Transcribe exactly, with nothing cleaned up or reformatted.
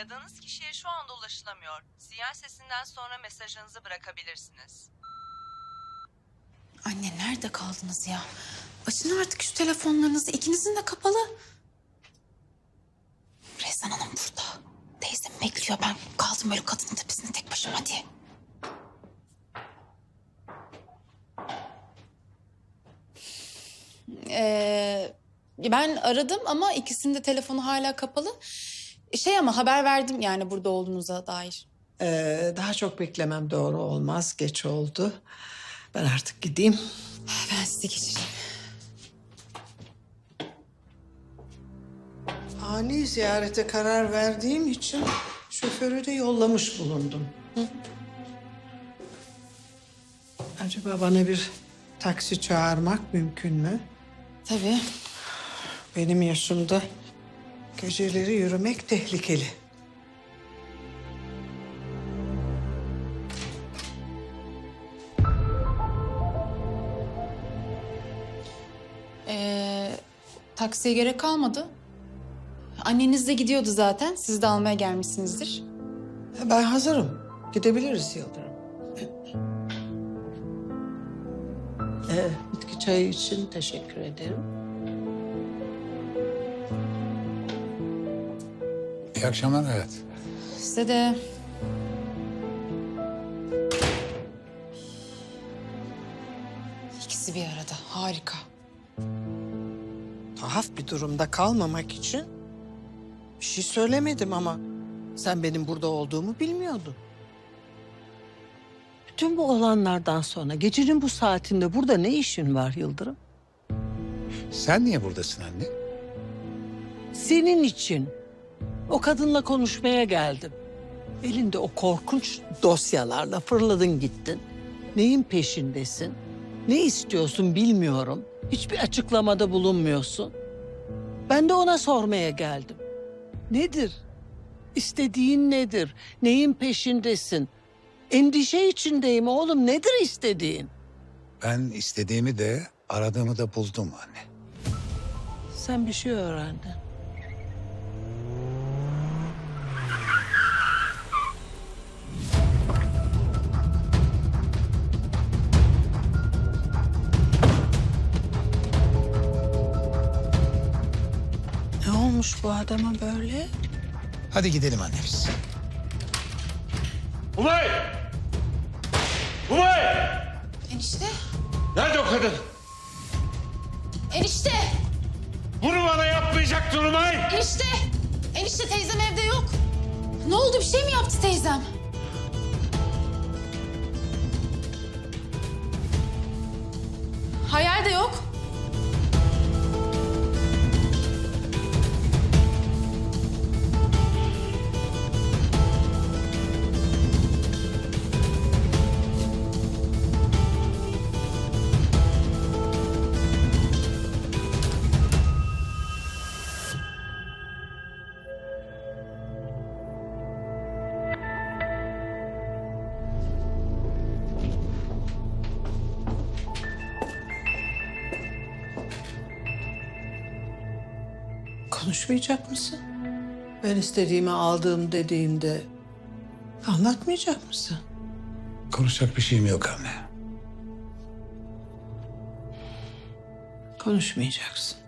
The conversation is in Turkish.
Aradığınız kişiye şu anda ulaşılamıyor. Sinyal sesinden sonra mesajınızı bırakabilirsiniz. Anne nerede kaldınız ya? Açın artık şu telefonlarınızı. İkinizin de kapalı. Rezan Hanım burada. Teyzem bekliyor. Ben kaldım böyle kadının tepesinde tek başıma diye. Ee, ben aradım ama ikisinin de telefonu hala kapalı. Şey ama haber verdim yani burada olduğunuza dair. Ee, daha çok beklemem doğru olmaz. Geç oldu. Ben artık gideyim. Ben sizi geçireyim. Ani ziyarete karar verdiğim için şoförü de yollamış bulundum. Hı? Acaba bana bir taksi çağırmak mümkün mü? Tabii. Benim yaşımda geceleri yürümek tehlikeli. Ee, taksiye gerek kalmadı. Anneniz de gidiyordu zaten. Siz de almaya gelmişsinizdir. Ben hazırım. Gidebiliriz Yıldırım. Ee, bitki çayı için teşekkür ederim. İyi akşamlar hayat. Size de... İkisi bir arada. Harika. Tuhaf bir durumda kalmamak için bir şey söylemedim ama sen benim burada olduğumu bilmiyordun. Bütün bu olanlardan sonra gecenin bu saatinde burada ne işin var Yıldırım? Sen niye buradasın anne? Senin için. O kadınla konuşmaya geldim. Elinde o korkunç dosyalarla fırladın gittin. Neyin peşindesin? Ne istiyorsun bilmiyorum. Hiçbir açıklamada bulunmuyorsun. Ben de ona sormaya geldim. Nedir? İstediğin nedir? Neyin peşindesin? Endişe içindeyim oğlum. Nedir istediğin? Ben istediğimi de aradığımı da buldum anne. Sen bir şey öğrendin. Ne olmuş bu adama böyle? Hadi gidelim anne biz. Umay! Umay! Enişte. Nerede o kadın? Enişte. Bunu bana yapmayacaktın Umay! Enişte. Enişte teyzem evde yok. Ne oldu? Bir şey mi yaptı teyzem? Hayal de yok. Konuşmayacak mısın? Ben istediğimi aldığım dediğimde anlatmayacak mısın? Konuşacak bir şeyim yok anne. Konuşmayacaksın.